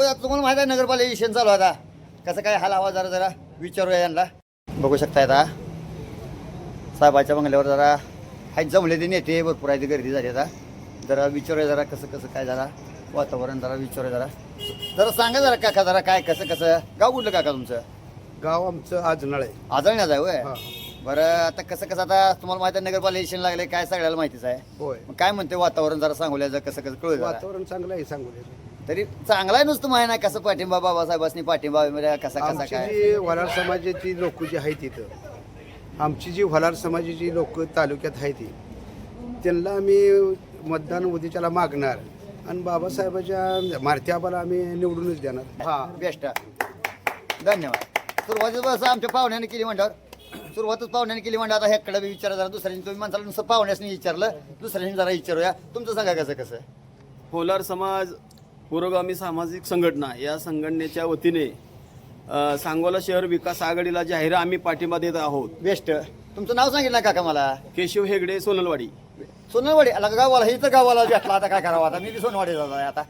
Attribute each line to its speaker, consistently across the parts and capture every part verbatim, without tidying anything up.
Speaker 1: बरं तुम्हाला माहिती आहे नगरपालिका इलेक्शन चालू आहे आता कसं काय हाल हवा जरा जरा विचारूया यांना. बघू शकता आता साहेबाच्या बंगल्यावर जरा हाय जमले ते नेते भरपूर आहे, गर्दी झाली आता. जरा विचारूया जरा कसं कसं काय जरा वातावरण जरा विचारूया जरा जरा सांगा जरा काका जरा काय कसं कसं. गाव कुठलं काका तुमचं?
Speaker 2: गाव आमचं आजनाळ आहे.
Speaker 1: आजळण्याचं आहे होय.
Speaker 2: हा.
Speaker 1: बरं आता कसं कसं आता तुम्हाला माहिती आहे नगरपालिका इलेक्शन लागले काय सगळ्याला माहितीच आहे.
Speaker 2: होय,
Speaker 1: मग काय म्हणते वातावरण जरा सांगूया कसं कसं कळू जरा.
Speaker 2: वातावरण चांगलं आहे सांगू
Speaker 1: तरी चांगला आहे नुसतं माहिती नाही कसं पाठिंबा बाबासाहेबांनी पाठिंबा म्हणजे कसा कसा
Speaker 2: आमची
Speaker 1: काय.
Speaker 2: जी वलार समाजाची लोक जी आहेत तिथं, आमची जी वलार समाजाची लोक तालुक्यात आहेत ती त्यांना आम्ही मतदान उद्याच्याला मागणार आणि बाबासाहेबाच्या मारती आबाला आम्ही निवडूनच देणार.
Speaker 1: हा बेस्ट धन्यवाद. सुरुवातीच बस आमच्या पाहुण्याने केली म्हणल्यावर सुरुवातच पाहुण्याने केली म्हणजे आता ह्याकडे बी विचारा जरा दुसऱ्यांनी तुम्ही माणसाला नुसतं पाहुण्यासनी विचारलं दुसऱ्यांनी जरा विचारूया तुमचं सांगा कसं कसं.
Speaker 3: होलार समाज पुरोगामी सामाजिक संघटना या संघटनेच्या वतीने अ, सांगोला शहर विकास आघाडीला जाहीर आम्ही पाठिंबा देत आहोत.
Speaker 1: बेस्ट तुमचं नाव सांगितलं काका मला.
Speaker 3: केशव हेगडे सोनलवाडी.
Speaker 1: सोनवाडी आला का गावाला हे तर गावाला भेटला आता काय करावं आता मी बी सोनवाडी जात आहे आता.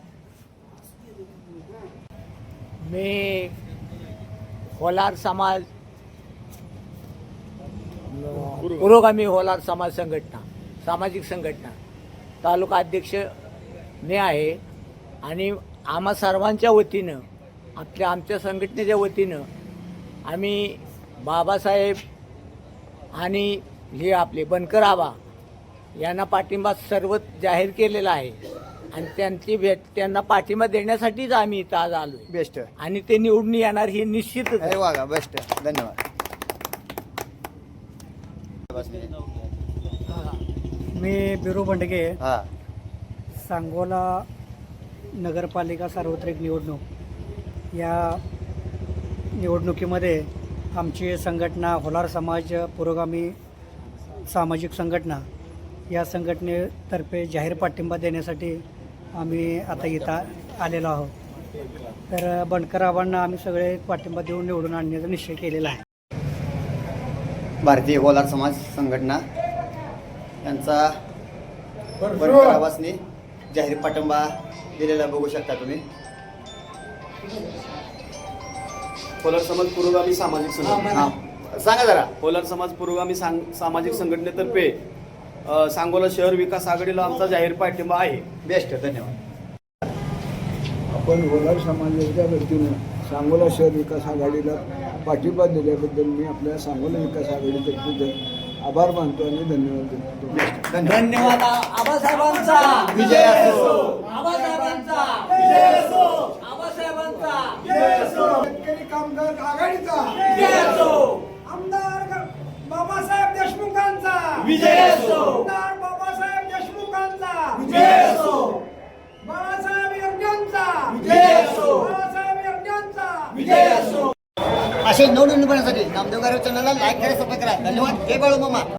Speaker 4: मी होलार समाज पुरोगामी होलार समाज संघटना सामाजिक संघटना तालुका अध्यक्ष मी आहे आणि आम्हा सर्वांच्या वतीनं आपल्या आमच्या संघटनेच्या वतीनं आम्ही बाबासाहेब आणि हे आपले बनकर आबा यांना पाठिंबा सर्व जाहीर केलेला आहे आणि त्यांची भेट त्यांना पाठिंबा देण्यासाठीच आम्ही इथं आज आलो
Speaker 1: बेस्ट
Speaker 4: आणि ते निवडून येणार हे निश्चितच आहे.
Speaker 1: अरे वा बेस्ट धन्यवाद.
Speaker 5: मी बिरू बंडगे
Speaker 1: हा
Speaker 5: सांगोला नगरपालिका सार्वत्रिक निवडणूक या निवडणुकीमध्ये आमची संघटना होलार समाज पुरोगामी सामाजिक संघटना या संघटनेतर्फे जाहीर पाठिंबा देण्यासाठी आम्ही आता इथं आलेलो आहोत. तर बनकर आबांना आम्ही सगळे पाठिंबा देऊन निवडून आणण्याचा निश्चय केलेला आहे.
Speaker 1: भारतीय होलार समाज संघटना यांचा बनकर आबासनी जाहीर पाठिंबा दिलेला बघू शकता तुम्ही.
Speaker 3: होलार समाज पुरोगामी सामाजिक संघटना
Speaker 1: हा सांगा जरा.
Speaker 3: होलार समाज पुरोगामी सांग- सामाजिक संघटनेतर्फे अ, सांगोला शहर विकास आघाडीला आमचा जाहीर पाठिंबा आहे.
Speaker 1: बेस्ट धन्यवाद.
Speaker 6: आपण होलार समाजाच्या वतीनं सांगोला शहर विकास आघाडीला पाठिंबा दिल्याबद्दल मी आपल्या सांगोला विकास आघाडीतर्फे आभार मानतो आणि धन्यवाद देतो.
Speaker 4: धन्यवाद. आबासाहेबांचा
Speaker 1: विजय असो.
Speaker 4: आबासाहेबांचा विजय असो. आबासाहेबांचा विजय असो.
Speaker 6: शेतकरी कामगार आघाडीचा
Speaker 4: विजय असो.
Speaker 6: आमदार बाबासाहेब देशमुखांचा
Speaker 4: विजय असो.
Speaker 6: आमदार बाबासाहेब देशमुखांचा
Speaker 4: विजय असो.
Speaker 6: बाळासाहेब यज्ञांचा
Speaker 4: विजय असो.
Speaker 6: बाळासाहेब यज्ञांचा
Speaker 4: विजय असो.
Speaker 1: असे नवनवीन बनण्यासाठी नामदेव गारे चॅनलला लाईक करा सबस्क्राईब करा. धन्यवाद. जय बाळू मामा.